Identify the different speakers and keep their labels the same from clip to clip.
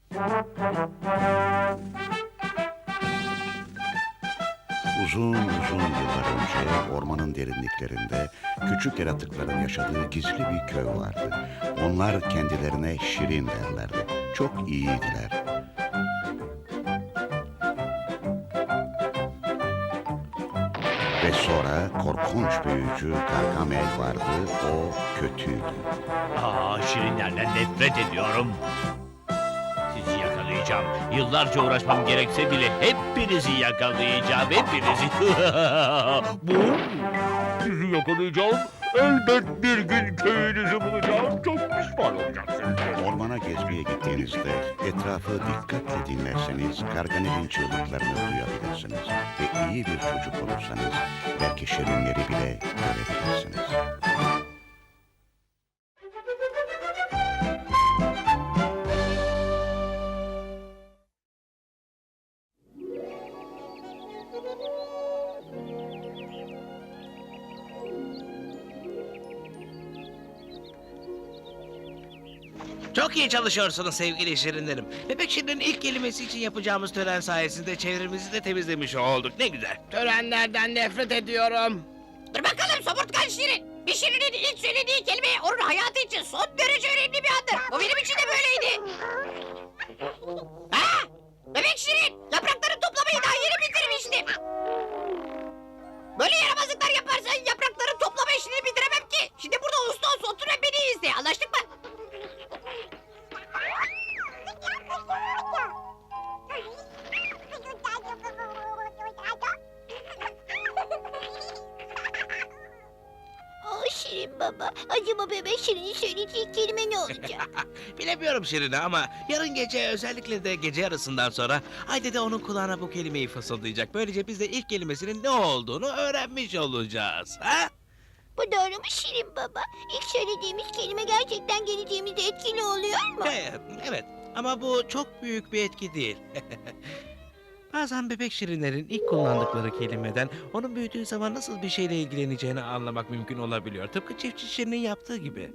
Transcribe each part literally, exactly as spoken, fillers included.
Speaker 1: Uzun uzun yıllar önce ormanın derinliklerinde küçük yaratıkların yaşadığı gizli bir köy vardı. Onlar kendilerine Şirin derlerdi. Çok iyiydiler. Ve sonra korkunç büyücü Gargamel vardı. O kötüydü.
Speaker 2: Aa, şirinlerden nefret ediyorum. Sizi yakalayacağım. Yıllarca uğraşmam gerekse bile hepinizi yakalayacağım. Hepinizi. Bu? Sizi yakalayacağım. Elbet bir gün köyünüzü bulacağım. Çok pişman olacaksınız.
Speaker 1: Ormana gezmeye gittiğinizde etrafı dikkatle dinlerseniz Gargamel'in çığlıklarını duyabilirsiniz. Ve iyi bir çocuk olursanız belki şirinleri bile görebilirsiniz.
Speaker 3: Çok iyi çalışıyorsunuz sevgili şirinlerim. Bebek Şirin'in ilk kelimesi için yapacağımız tören sayesinde çevremizi de temizlemiş olduk. Ne güzel.
Speaker 4: Törenlerden nefret ediyorum.
Speaker 5: Dur bakalım somurtkan Şirin. Bir Şirin'in ilk söylediği kelime onun hayatı için son derece önemli bir andır. Bu benim için de böyleydi. Ha? Bebek Şirin, yaprakları toplamayı daha yeni bitirmiştim. Böyle yaramazlıklar yaparsan yaprakları toplama işini bitiremem ki. Şimdi burada usta olsun otur ve beni izle. Anlaştık mı?
Speaker 6: Aa, Şirin baba, acaba bebek Şirin'in söyleyeceği kelime ne olacak?
Speaker 3: Bilemiyorum Şirin'i ama yarın gece özellikle de gece yarısından sonra Haydi de onun kulağına bu kelimeyi fısıldayacak. Böylece biz de ilk kelimesinin ne olduğunu öğrenmiş olacağız. Ha?
Speaker 6: Bu doğru mu Şirin baba? İlk söylediğimiz kelime gerçekten geleceğimizde etkili oluyor mu?
Speaker 3: Evet, evet. Ama bu çok büyük bir etki değil. Bazen bebek şirinlerin ilk kullandıkları kelimeden onun büyüdüğü zaman nasıl bir şeyle ilgileneceğini anlamak mümkün olabiliyor. Tıpkı çiftçi şirinin yaptığı gibi.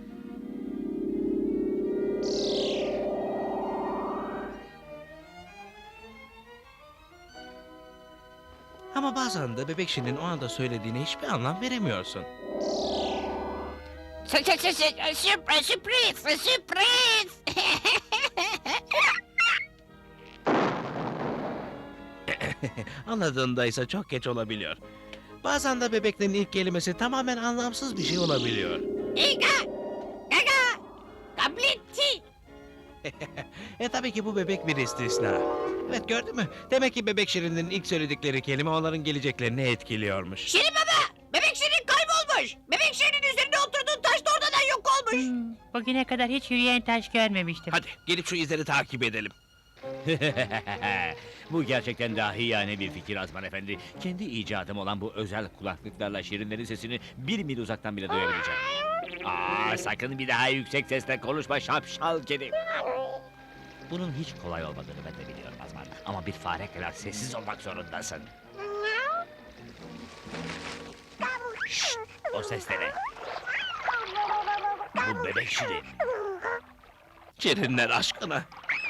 Speaker 3: Ama bazen de bebek şirinin o anda söylediğine hiçbir anlam veremiyorsun.
Speaker 5: Sü- sü- sü- sü- Sürpriz, sürpriz, sürpriz.
Speaker 3: Anladığında ise çok geç olabiliyor. Bazen de bebeklerin ilk kelimesi tamamen anlamsız bir şey olabiliyor.
Speaker 5: İga, gaga, kabletti.
Speaker 3: E tabii ki bu bebek bir istisna. Evet gördün mü? Demek ki bebek şirinin ilk söyledikleri kelime onların geleceklerini etkiliyormuş.
Speaker 5: Şirin baba, bebek Şirin kaybolmuş. Bebek Şirin'in üzerinde oturduğun taş da ortadan yok olmuş.
Speaker 7: Hmm, bugüne kadar hiç yürüyen taş görmemiştim.
Speaker 3: Hadi gelip şu izleri takip edelim.
Speaker 2: Bu gerçekten dahiyane bir fikir Azman Efendi. Kendi icadım olan bu özel kulaklıklarla şirinlerin sesini bir mil uzaktan bile duyabileceğim. Aa, sakın bir daha yüksek sesle konuşma şapşal kedi. Bunun hiç kolay olmadığını ben de biliyorum Azman. Ama bir fare kadar sessiz olmak zorundasın. Şşt, o ses de ne? Bu bebek şirin.
Speaker 3: Şirinler aşkına.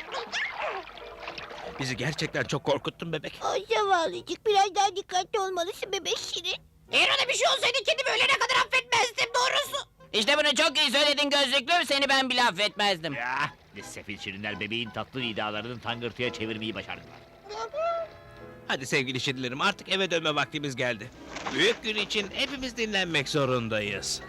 Speaker 3: Bizi gerçekten çok korkuttun bebek.
Speaker 6: Ay zavallıcık, biraz daha dikkatli olmalısın bebek Şirin.
Speaker 5: Eğer ona bir şey olsaydı kendimi ölene kadar affetmezdim doğrusu.
Speaker 4: İşte bunu çok iyi söyledin gözlüklüm, seni ben bile affetmezdim.
Speaker 2: Ya, ne sefil şirinler bebeğin tatlı nidalarını tangırtıya çevirmeyi başardılar.
Speaker 3: Hadi sevgili şirinlerim artık eve dönme vaktimiz geldi. Büyük gün için hepimiz dinlenmek zorundayız.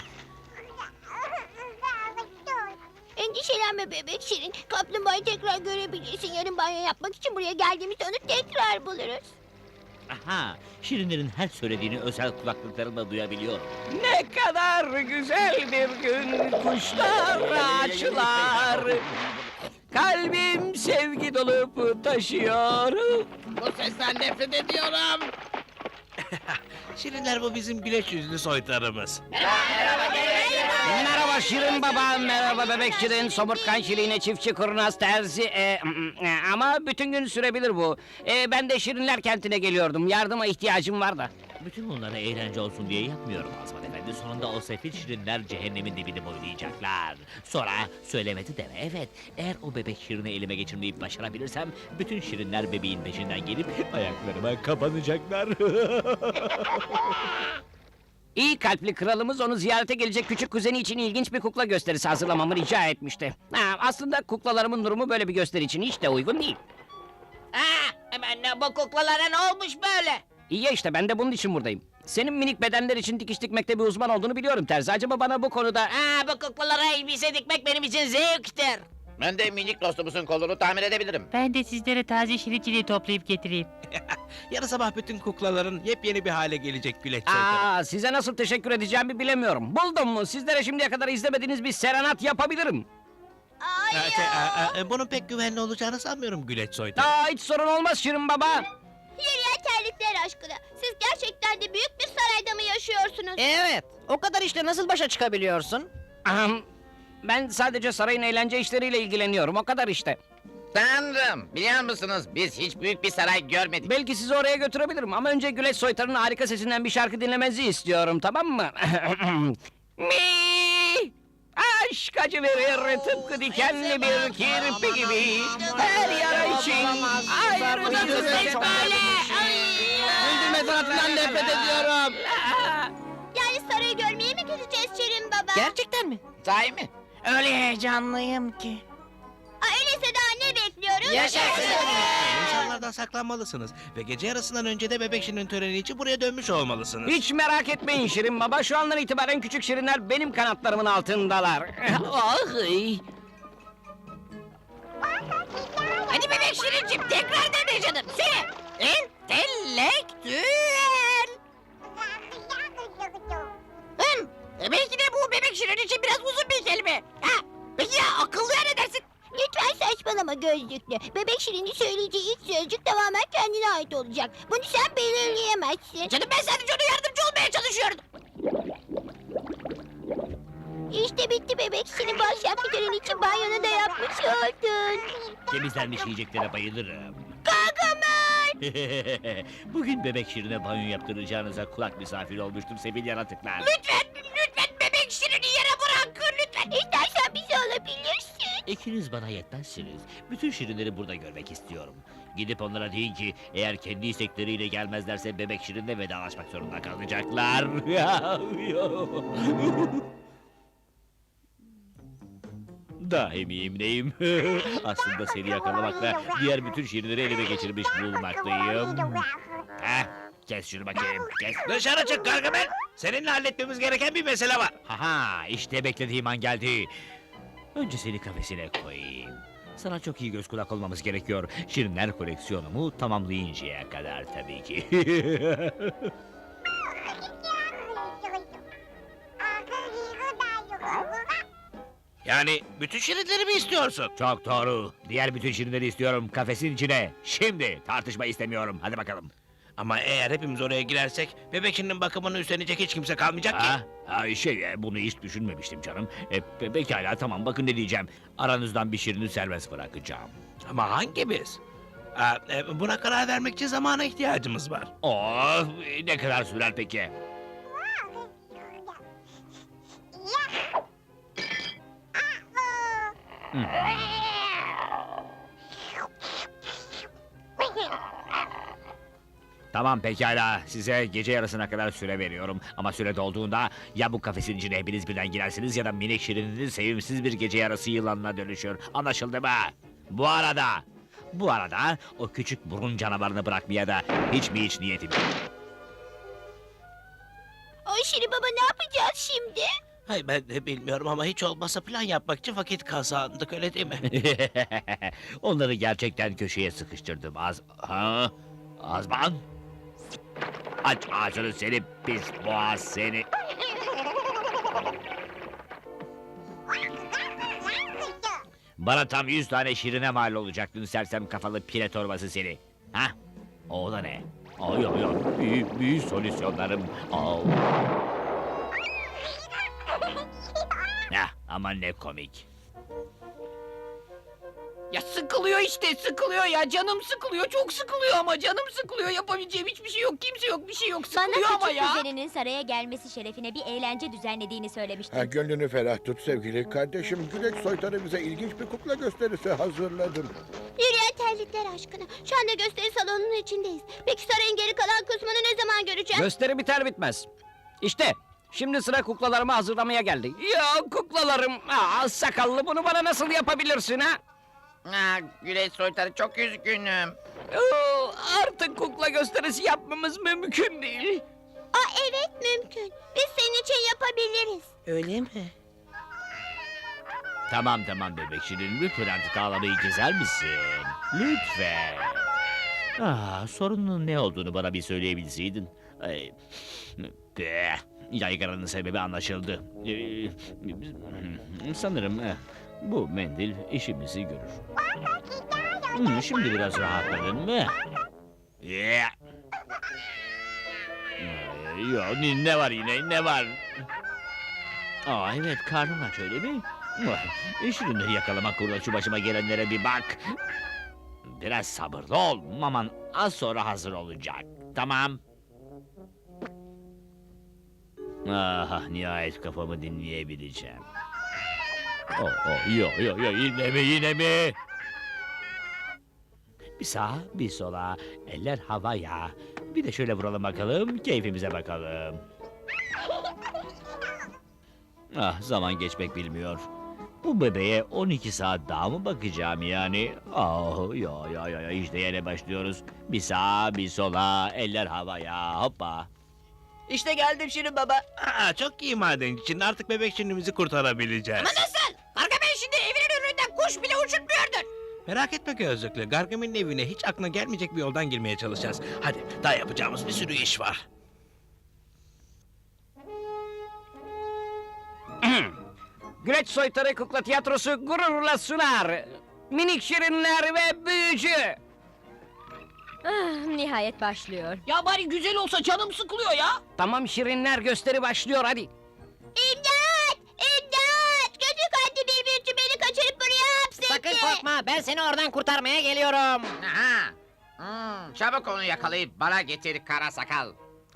Speaker 6: Endişelenme bebek Şirin. Kaplumbağayı tekrar görebilirsin. Yarın banyo yapmak için buraya geldiğimizde onu tekrar buluruz.
Speaker 2: Aha, şirinlerin her söylediğini özel kulaklıklarımla duyabiliyorum.
Speaker 4: Ne kadar güzel bir gün, kuşlar, ağaçlar. Kalbim sevgi dolup taşıyor. Bu sesten nefret ediyorum.
Speaker 3: Şirinler bu bizim güleç yüzlü soytarımız.
Speaker 4: Merhaba Merhaba Şirin Baba, merhaba Bebek Şirin, somurtkan Şirin'e çiftçi kurnaz terzi. E, mm, e, ama bütün gün sürebilir bu. E, ben de Şirinler kentine geliyordum, yardıma ihtiyacım var da.
Speaker 2: Bütün bunları eğlence olsun diye yapmıyorum Azman Efendi. Sonunda o sefil şirinler cehennemin dibini boylayacaklar. Sonra söylemedi deme. Evet, eğer o bebek şirini elime geçirmeyi başarabilirsem... ...bütün şirinler bebeğin peşinden gelip ayaklarıma kapanacaklar.
Speaker 4: İyi kalpli kralımız onu ziyarete gelecek küçük kuzeni için ilginç bir kukla gösterisi hazırlamamı rica etmişti. Ha, aslında kuklalarımın durumu böyle bir gösteri için hiç de uygun değil.
Speaker 5: Ha, hemen bu kuklalara ne olmuş böyle?
Speaker 4: İyi ya işte ben de bunun için buradayım. Senin minik bedenler için dikiş dikmekte bir uzman olduğunu biliyorum Terzi. Acaba bana bu konuda...
Speaker 5: Ha, bu kuklalara elbise dikmek benim için zevktir.
Speaker 8: Ben de minik dostumuzun kolunu tamir edebilirim.
Speaker 7: Ben de sizlere taze şirinçiliği toplayıp getireyim.
Speaker 3: Yarın sabah bütün kuklaların yepyeni bir hale gelecek Güleç Soytarı.
Speaker 4: Aa, size nasıl teşekkür edeceğimi bilemiyorum. Buldum mu? Sizlere şimdiye kadar izlemediğiniz bir serenat yapabilirim.
Speaker 3: Ha, şey, a- a- bunun pek güvenli olacağını sanmıyorum Güleç Soytarı.
Speaker 4: Aa, hiç sorun olmaz Şirin Baba.
Speaker 6: Yürüyen terlikler aşkına. Siz gerçekten de büyük bir sarayda mı yaşıyorsunuz?
Speaker 5: Evet, o kadar işle nasıl başa çıkabiliyorsun?
Speaker 4: Ahem, ben sadece sarayın eğlence işleriyle ilgileniyorum. O kadar işte.
Speaker 8: Tanrım, biliyor musunuz biz hiç büyük bir saray görmedik.
Speaker 4: Belki sizi oraya götürebilirim ama önce Güleç Soytarı'nın harika sesinden bir şarkı dinlemenizi istiyorum, tamam mı? Mi! Aşk acı verir tıpkı dikenli bir kirpi gibi. Her yara için ayrı bir ses böyle.
Speaker 8: Güldürme sanatından nefret ediyorum.
Speaker 6: Yani sarayı görmeye mi gideceğiz Şirin Baba?
Speaker 5: Gerçekten mi?
Speaker 8: Sahi mi?
Speaker 5: Öyle heyecanlıyım ki.
Speaker 6: Aa, öyleyse daha ne bekliyoruz?
Speaker 5: Yaşasın!
Speaker 3: İnsanlardan saklanmalısınız ve gece yarısından önce de bebek şirinin töreni için buraya dönmüş olmalısınız.
Speaker 4: Hiç merak etmeyin Şirin Baba. Şu andan itibaren küçük şirinler benim kanatlarımın altındalar. Ah, ey.
Speaker 5: Hadi bebek Şirincim tekrar dene canım. Söyle. Entelektüel. Hım, e belki de bu bebek Şirin için biraz uzun bir kelime. Ha, peki ya akıllıya ne dersin?
Speaker 6: Lütfen saçmalama gözlüklü. Bebek Şirin'in söyleyeceği ilk sözcük tamamen kendine ait olacak. Bunu sen belirleyemezsin.
Speaker 5: Canım ben sadece ona yardımcı olmaya çalışıyordum.
Speaker 6: İşte bitti bebek Şirin. Bu akşamki tören için banyonu da yapmış oldun.
Speaker 2: Temizlenmiş yiyeceklere bayılırım.
Speaker 6: Gargamel!
Speaker 2: Bugün bebek şirine banyo yaptıracağınıza kulak misafiri olmuştum sevgili yaratıklar.
Speaker 5: Lütfen, lütfen bebek Şirin'i yere bırak. Lütfen.
Speaker 6: İstersen bizi alabilirsin.
Speaker 2: İkiniz bana yetmezsiniz. Bütün şirinleri burada görmek istiyorum. Gidip onlara deyin ki eğer kendi istekleriyle gelmezlerse bebek şirinle vedalaşmak zorunda kalacaklar. Daimiyim neyim? Aslında seni yakalamakla diğer bütün şirinleri elime geçirmiş bulunmaktayım. Heh, kes şunu bakayım, kes.
Speaker 3: Dışarı çık Gargamel. Seninle halletmemiz gereken bir mesele var.
Speaker 2: Haha, işte beklediğim an geldi. Önce seni kafesine koyayım. Sana çok iyi göz kulak olmamız gerekiyor. Şirinler koleksiyonumu tamamlayıncaya kadar tabii ki.
Speaker 3: Yani bütün şirinleri mi istiyorsun?
Speaker 2: Çok doğru. Diğer bütün şirinleri istiyorum kafesin içine. Şimdi tartışma istemiyorum. Hadi bakalım.
Speaker 3: Ama eğer hepimiz oraya girersek bebek şirinin bakımını üstlenecek hiç kimse kalmayacak ki.
Speaker 2: Ha, ha şey e, bunu hiç düşünmemiştim canım. E, pe- pekala tamam bakın ne diyeceğim. Aranızdan bir şirini serbest bırakacağım.
Speaker 3: Ama hangimiz? Aa, e, buna karar vermek için zamana ihtiyacımız var.
Speaker 2: Oh, ne kadar sürer peki? Hmm. Tamam pekala, size gece yarısına kadar süre veriyorum. Ama süre dolduğunda ya bu kafesin içine hepiniz birden girersiniz ya da minik şirininiz sevimsiz bir gece yarısı yılanına dönüşür. Anlaşıldı mı? Bu arada, bu arada o küçük burun canavarını bırakmaya da hiç mi hiç niyetim yok.
Speaker 6: O Şirin Baba ne yapacağız şimdi?
Speaker 3: Hayır ben de bilmiyorum ama hiç olmazsa plan yapmak için vakit kazandık öyle değil mi?
Speaker 2: Onları gerçekten köşeye sıkıştırdım az... Ha? Azman? Aç ağzını seni pis boğaz seni. Bana tam yüz tane şirine mal olacaktın sersem kafalı pire torbası seni. Ha? O da ne? Ay ay ay, büyük büyük solüsyonlarım. Au. Hah, Ama ne komik.
Speaker 4: Ya sıkılıyor işte, sıkılıyor ya. Canım sıkılıyor, çok sıkılıyor ama canım sıkılıyor. Yapabileceğim hiçbir şey yok, kimse yok, bir şey yok. Sıkılıyor
Speaker 6: Bana
Speaker 4: ama
Speaker 6: küçük
Speaker 4: ya.
Speaker 6: kuzeninin saraya gelmesi şerefine bir eğlence düzenlediğini söylemiştin.
Speaker 9: Ha, gönlünü ferah tut sevgili kardeşim. Güleç soytarı bize ilginç bir kukla gösterisi hazırladım.
Speaker 6: Yürüyen terlikler aşkına. Şu anda gösteri salonunun içindeyiz. Peki sarayın geri kalan kısmını ne zaman göreceğiz?
Speaker 4: Gösteri biter bitmez. İşte şimdi sıra kuklalarımı hazırlamaya geldi. Ya kuklalarım, aa, sakallı bunu bana nasıl yapabilirsin ha?
Speaker 8: Aa, Güleç soytarı çok üzgünüm.
Speaker 4: Oo, artık kukla gösterisi yapmamız mümkün değil.
Speaker 6: Aa, evet mümkün. Biz senin için yapabiliriz.
Speaker 3: Öyle mi?
Speaker 2: Tamam tamam bebek şirin, lütfen artık ağlamayı keser misin? Lütfen. Ah, sorunun ne olduğunu bana bir söyleyebilseydin. Ay, be, yaygaranın sebebi anlaşıldı. Ee, sanırım eh, bu mendil işimizi görür. Hmm, şimdi biraz rahatladın mı? Yeah. Ee, Yo, ne ne var yine, ne var? Aa evet, karnım aç öyle mi? Ah, şirinleri yakalamak uğruna şu başıma gelenlere bir bak. Biraz sabırlı ol, maman az sonra hazır olacak. Tamam. Ah, nihayet kafamı dinleyebileceğim. Oh, oh, yo, yo, yo, yine mi, yine mi? Bir sağa, bir sola, eller havaya. Bir de şöyle vuralım bakalım, keyfimize bakalım. Ah, zaman geçmek bilmiyor. Bu bebeğe on iki saat daha mı bakacağım yani? Ah, ya ya ya ya, işte yine başlıyoruz. Bir sağa, bir sola, eller havaya, hoppa.
Speaker 5: İşte geldim Şirin Baba.
Speaker 3: Aa, çok iyi madencinin artık bebek şirinimizi kurtarabileceğiz.
Speaker 5: Ama nasıl? Gargamel şimdi evinin önünden kuş bile uçurtmuyordur.
Speaker 3: Merak etme gözlüklü. Gargamel'in evine hiç aklına gelmeyecek bir yoldan girmeye çalışacağız. Hadi, daha yapacağımız bir sürü iş var.
Speaker 4: Güleç soytarı kukla tiyatrosu gururla sunar. Minik şirinler ve büyücü.
Speaker 6: Ah, nihayet başlıyor.
Speaker 5: Ya bari güzel olsa canım sıkılıyor ya.
Speaker 4: Tamam şirinler, gösteri başlıyor hadi.
Speaker 6: İmdat! İmdat! Kötü kalpli bir büyücü beni kaçırıp buraya hapsetti.
Speaker 5: Sakın korkma, ben seni oradan kurtarmaya geliyorum.
Speaker 8: Aha. Hmm, çabuk onu yakalayıp bana getir kara sakal.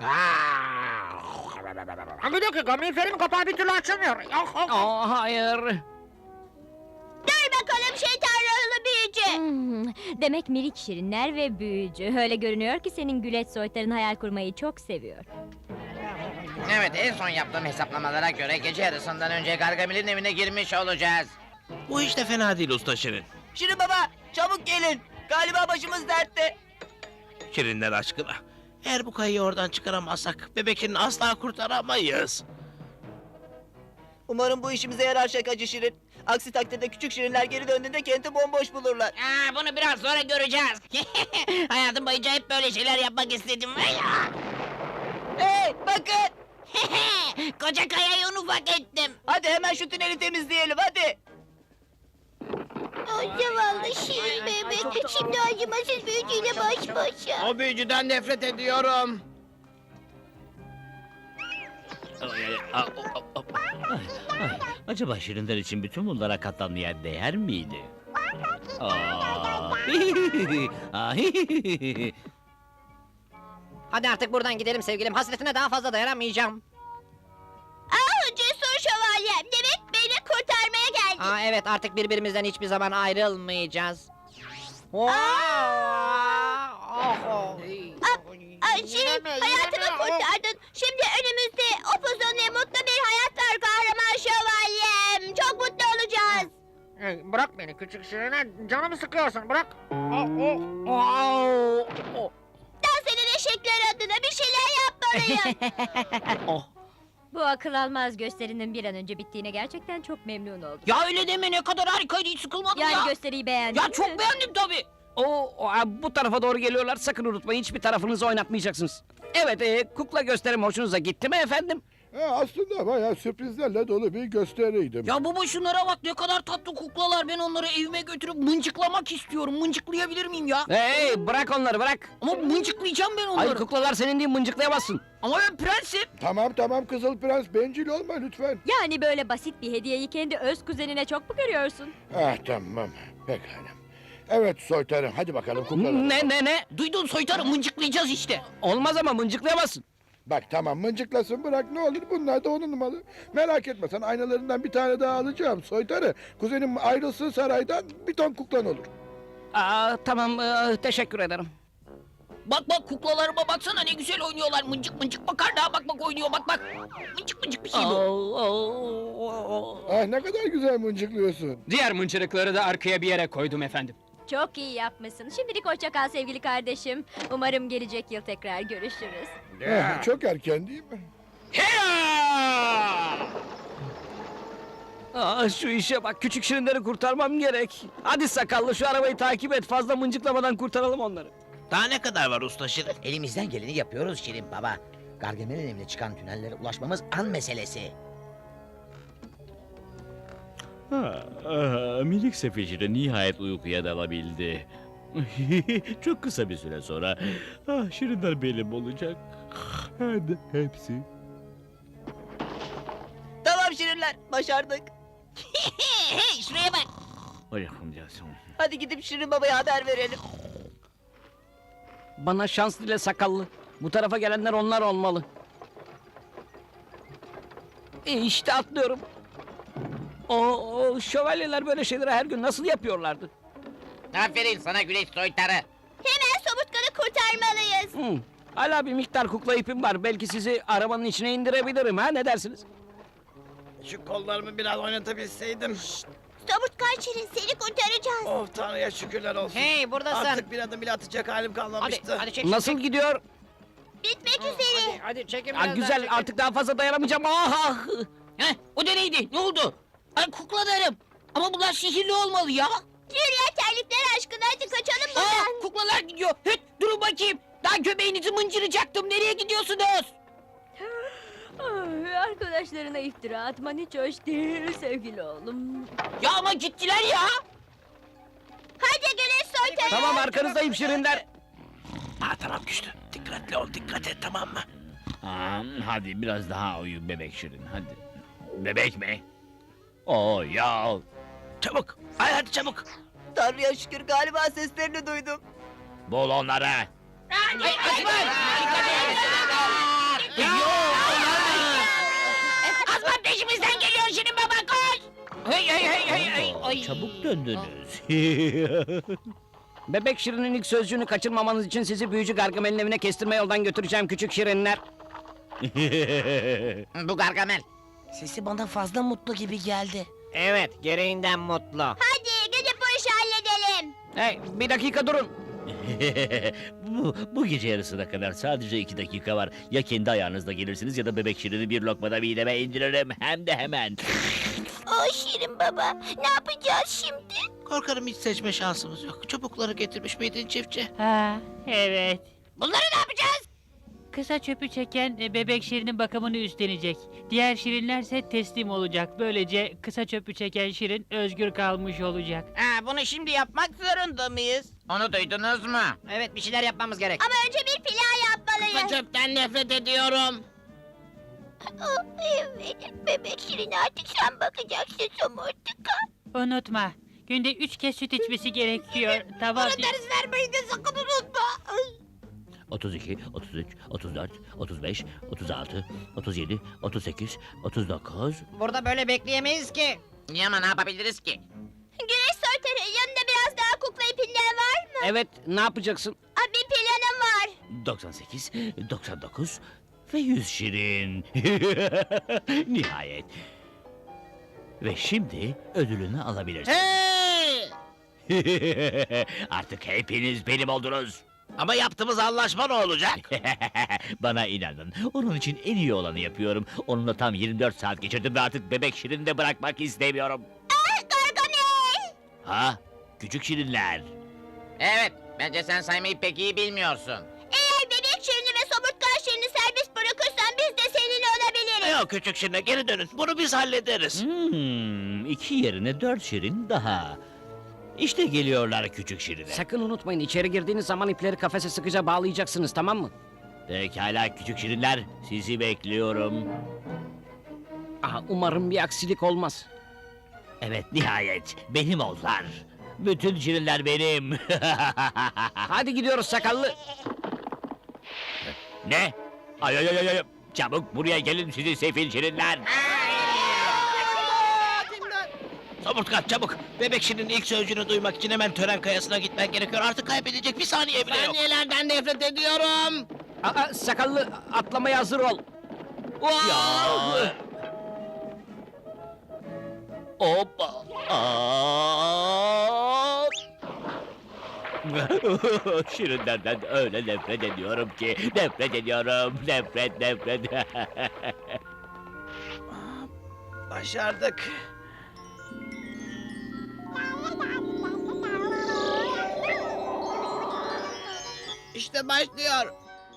Speaker 5: Bir dakika, miğferin kapağı bir türlü açılmıyor.
Speaker 4: Aa, hayır.
Speaker 6: Dur bakalım şeytan ruhlu büyücü. Hmm, demek minik şirinler ve büyücü. Öyle görünüyor ki senin güleç soytarın hayal kurmayı çok seviyor.
Speaker 8: Evet, en son yaptığım hesaplamalara göre gece yarısından önce Gargamel'in evine girmiş olacağız.
Speaker 3: Bu hiç de fena değil usta Şirin.
Speaker 5: Şirin Baba, çabuk gelin. Galiba başımız dertte.
Speaker 3: Şirinler aşkına. Eğer bu kayayı oradan çıkaramazsak bebek şirini asla kurtaramayız.
Speaker 5: Umarım bu işimize yarar şakacı Şirin. Aksi takdirde küçük Şirinler geri döndüğünde kenti bomboş bulurlar.
Speaker 8: Aa, bunu biraz sonra göreceğiz. Hayatım boyunca hep böyle şeyler yapmak istedim.
Speaker 5: Hey, bakın.
Speaker 8: Koca kayayı un ufak ettim.
Speaker 5: Hadi hemen şu tüneli temizleyelim, hadi.
Speaker 6: Ay zavallı şirin bebek. Şimdi acımasız büyücüyle baş başa.
Speaker 8: O büyücüden nefret ediyorum.
Speaker 2: Ay, ay, ay, o- o- o- ay, ay. Acaba şirinler için bütün bunlara katlanmaya değer miydi? Aa, Ay,
Speaker 5: Hadi artık buradan gidelim sevgilim. Hasretine daha fazla dayanamayacağım.
Speaker 6: Ah cesur şövalyem. Demek beni kurtarmaya geldin.
Speaker 5: Aa evet, artık birbirimizden hiçbir zaman ayrılmayacağız.
Speaker 6: Ah, Ay Şirin hayatımı kurtardın. Şimdi önümüzde upuzun ve mutlu bir hayat var kahraman şövalyem. Çok mutlu olacağız.
Speaker 5: Bırak beni küçük Şirin'e, canımı sıkıyorsun, bırak.
Speaker 6: Dans eden eşekler adına bir şeyler yapmalıyım. Bu akıl almaz gösterinin bir an önce bittiğine gerçekten çok memnun oldum.
Speaker 5: Ya öyle deme, ne kadar harikaydı, hiç sıkılmadım
Speaker 6: Yani
Speaker 5: ya.
Speaker 6: gösteriyi beğendin
Speaker 5: Ya
Speaker 6: mi?
Speaker 5: çok beğendim tabii.
Speaker 4: Oo, o, bu tarafa doğru geliyorlar, sakın unutmayın hiçbir tarafınızı oynatmayacaksınız. Evet, e, kukla gösterim hoşunuza gitti mi efendim?
Speaker 9: Ha, aslında bayağı sürprizlerle dolu bir gösteriydim.
Speaker 5: Ya baba şunlara bak ne kadar tatlı kuklalar. Ben onları evime götürüp mıncıklamak istiyorum. Mıncıklayabilir miyim ya?
Speaker 4: Hey bırak onları bırak.
Speaker 5: Ama mıncıklayacağım ben onları.
Speaker 4: Hayır kuklalar senin değil, mıncıklayamazsın.
Speaker 5: Ama ben prensim.
Speaker 9: Tamam tamam Kızıl Prens, bencil olma lütfen.
Speaker 6: Yani böyle basit bir hediyeyi kendi öz kuzenine çok mu görüyorsun?
Speaker 9: Ah tamam, pekala. Evet soytarım, hadi bakalım kuklalar.
Speaker 4: Ne ne ne?
Speaker 5: Duydun soytarı, mıncıklayacağız işte.
Speaker 4: Olmaz ama mıncıklayamazsın.
Speaker 9: Bak tamam, mıncıklasın bırak, ne olur, bunlar da onun malı. Merak etme, sen aynalarından bir tane daha alacağım soytarı. Kuzenim ayrılsın saraydan, bir ton kuklan olur.
Speaker 4: Aa, tamam ee, teşekkür ederim.
Speaker 5: Bak bak kuklalarıma baksana ne güzel oynuyorlar. Mıncık mıncık makarna bak bak oynuyor bak bak. Mıncık mıncık bir şey bu.
Speaker 4: Oo, oo, oo.
Speaker 9: Ah ne kadar güzel mıncıklıyorsun.
Speaker 10: Diğer mıncırıkları da arkaya bir yere koydum efendim.
Speaker 6: Çok iyi yapmışsın. Şimdilik hoşça kal sevgili kardeşim. Umarım gelecek yıl tekrar görüşürüz.
Speaker 9: Ah, çok erken değil mi?
Speaker 4: Aa, şu işe bak, küçük şirinleri kurtarmam gerek. Hadi sakallı şu arabayı takip et, fazla mıncıklamadan kurtaralım onları.
Speaker 3: Daha ne kadar var usta Şirin?
Speaker 8: Elimizden geleni yapıyoruz Şirin Baba. Gargamel'in evine çıkan tünellere ulaşmamız an meselesi.
Speaker 2: Ha, ah, minik sefecire nihayet uykuya dalabildi. Çok kısa bir süre sonra ah, şirinler benim olacak. Hem de hepsi.
Speaker 5: Tamam şirinler başardık. Hey şuraya bak.
Speaker 2: Ay,
Speaker 5: Hadi gidip Şirin Baba'ya haber verelim.
Speaker 4: Bana şans dile sakallı. Bu tarafa gelenler onlar olmalı. E işte atlıyorum. O, o şövalyeler böyle şeyleri her gün nasıl yapıyorlardı?
Speaker 8: Aferin sana güneş soytarı.
Speaker 6: Hemen somurtkanı kurtarmalıyız.
Speaker 4: Hmm. Hala bir miktar kukla ipim var. Belki sizi arabanın içine indirebilirim ha, ne dersiniz?
Speaker 3: Şu kollarımı biraz oynatabilseydim.
Speaker 6: Somurtkan Şirin seni kurtaracağız.
Speaker 3: Oh Tanrı'ya şükürler olsun.
Speaker 5: Hey buradasın.
Speaker 3: Artık bir adım bile atacak halim
Speaker 5: Hadi
Speaker 3: kalmamıştı.
Speaker 5: hadi çek.
Speaker 4: Nasıl
Speaker 5: çek.
Speaker 4: gidiyor?
Speaker 6: Bitmek üzere.
Speaker 5: Hadi, hadi çekin
Speaker 4: Aa,
Speaker 5: biraz daha,
Speaker 4: güzel,
Speaker 5: çekin.
Speaker 4: artık daha fazla dayanamayacağım. Ah, ah!
Speaker 5: Heh, o da neydi? Ne oldu? Ay kuklalarım. Ama bunlar sihirli olmalı ya.
Speaker 6: Yürüyen terlikler aşkına hadi kaçalım
Speaker 5: Aa,
Speaker 6: buradan.
Speaker 5: kuklalar gidiyor. Hıt, durun bakayım. Daha göbeğinizi mıncıracaktım. Nereye gidiyorsunuz?
Speaker 6: Ay, arkadaşlarına iftira atman hiç hoş değil sevgili oğlum.
Speaker 5: Ya ama gittiler ya.
Speaker 6: Hadi güneş soytarı.
Speaker 4: Tamam, arkanızdayım şirinler.
Speaker 3: Ha tamam güçlü. Dikkatli ol, dikkat et tamam mı?
Speaker 2: Aa, hadi biraz daha uyu bebek şirin hadi. Bebek mi? Oo ya.
Speaker 3: Çabuk. Ay hadi çabuk.
Speaker 5: Tanrı'ya şükür galiba seslerini duydum.
Speaker 2: Bul onları.
Speaker 5: Hadi hadi. Azman peşimizden geliyor Şirin Baba koş. Hey hey hey hey hey.
Speaker 2: Oo,
Speaker 5: Ay.
Speaker 2: çabuk döndünüz.
Speaker 4: Bebek şirinin ilk sözcüğünü kaçırmamanız için sizi büyücü Gargamel'in evine kestirme yoldan götüreceğim küçük şirinler.
Speaker 8: Bu Gargamel.
Speaker 5: Sesi bana fazla mutlu gibi geldi.
Speaker 8: Evet, gereğinden mutlu.
Speaker 6: Hadi gidip bu işi halledelim.
Speaker 4: Hey, bir dakika durun.
Speaker 2: bu, bu gece yarısına kadar sadece iki dakika var. Ya kendi ayağınızla gelirsiniz ya da bebek şirini bir lokmada mideme indiririm. Hem de hemen.
Speaker 6: O Şirin baba ne yapacağız şimdi?
Speaker 3: Korkarım hiç seçme şansımız yok. Çubukları getirmiş miydin çiftçi?
Speaker 7: Ha, evet.
Speaker 5: Bunları ne yapacağız?
Speaker 7: Kısa çöpü çeken e, bebek şirinin bakımını üstlenecek. Diğer şirinlerse teslim olacak. Böylece kısa çöpü çeken şirin özgür kalmış olacak.
Speaker 8: Ha, bunu şimdi yapmak zorunda mıyız? Onu duydunuz mu? Evet, bir şeyler yapmamız gerek.
Speaker 6: Ama önce bir plan yapmalıyız.
Speaker 8: Çöpten nefret ediyorum.
Speaker 6: Oh, evet bebek Şirin artık sen bakacaksın somurtkan.
Speaker 7: Unutma. Günde üç kez süt içmesi gerekiyor. Tamam.
Speaker 5: Ders vermeyi de sakın unutma. Ay.
Speaker 2: otuz iki, otuz üç, otuz dört, otuz beş, otuz altı, otuz yedi, otuz sekiz, otuz dokuz.
Speaker 8: Burada böyle bekleyemeyiz ki. Niye ama ne yapabiliriz ki?
Speaker 6: Güneş soytarı yanında biraz daha kukla ipinden var mı?
Speaker 4: Evet, ne yapacaksın?
Speaker 6: Aa, bir planım var.
Speaker 2: doksan sekiz, doksan dokuz ve yüz şirin. Nihayet. Ve şimdi ödülünü alabilirsin.
Speaker 8: Hey!
Speaker 2: Artık hepiniz benim oldunuz.
Speaker 3: Ama yaptığımız anlaşma ne olacak?
Speaker 2: Bana inanın. Onun için en iyi olanı yapıyorum. Onunla tam yirmi dört saat geçirdim ve artık bebek şirini de bırakmak istemiyorum.
Speaker 6: Ah Gargamel.
Speaker 2: Ha? Küçük şirinler.
Speaker 8: Evet, bence sen saymayı pek iyi bilmiyorsun.
Speaker 6: Eğer bebek Şirin'i ve somurtkan Şirin'i serbest bırakırsan biz de seninle olabiliriz.
Speaker 3: Yok küçük şirinler geri dönün. Bunu biz hallederiz.
Speaker 2: Hmm, iki yerine dört şirin daha. İşte geliyorlar küçük şirinler.
Speaker 4: Sakın unutmayın, içeri girdiğiniz zaman ipleri kafese sıkıca bağlayacaksınız, tamam mı?
Speaker 2: Pekala küçük şirinler, sizi bekliyorum.
Speaker 4: Aha, umarım bir aksilik olmaz.
Speaker 2: Evet, nihayet benim oldular. Bütün şirinler benim.
Speaker 4: Hadi gidiyoruz sakallı.
Speaker 2: Ne? Ay ay ay ay ay! Çabuk buraya gelin sizi sefil şirinler.
Speaker 3: Somurtkan çabuk. Bebek şirinin ilk sözcüğünü duymak için hemen tören kayasına gitmen gerekiyor. Artık kaybedecek bir saniye bile yok.
Speaker 8: Saniyelerden nefret ediyorum.
Speaker 4: Aa, sakallı, atlamaya hazır ol.
Speaker 2: Ya. Hoppa. Aa! Şirinlerden öyle nefret ediyorum ki. Nefret ediyorum. Nefret nefret.
Speaker 3: Başardık.
Speaker 8: İşte başlıyor.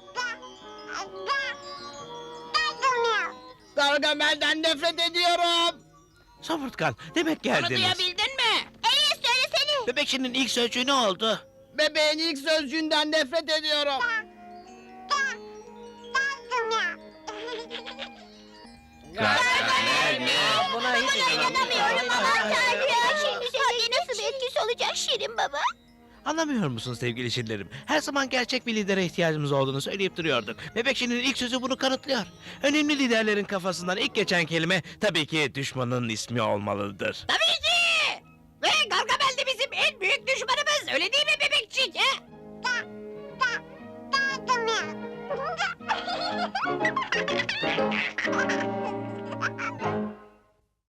Speaker 8: Gargamel'den nefret ediyorum.
Speaker 3: Somurtkan demek
Speaker 5: Onu
Speaker 3: geldiniz.
Speaker 5: duyabildin mi?
Speaker 6: Evet söylesene.
Speaker 3: Bebek şirinin ilk sözcüğü ne oldu?
Speaker 8: Bebeğin ilk sözcüğünden nefret ediyorum.
Speaker 5: Gargamel mi?
Speaker 8: Buna hiç
Speaker 6: İnanamıyorum aman tanrım. Şimdi sence nasıl bir etkisi olacak Şirin baba?
Speaker 3: Anlamıyor musun sevgili şirinlerim? Her zaman gerçek bir lidere ihtiyacımız olduğunu söyleyip duruyorduk. Bebek şirinin ilk sözü bunu kanıtlıyor. Önemli liderlerin kafasından ilk geçen kelime tabii ki düşmanın ismi olmalıdır.
Speaker 5: Tabii ki. Ve Gargamel de bizim en büyük düşmanımız. Öyle değil mi bebekçik? He?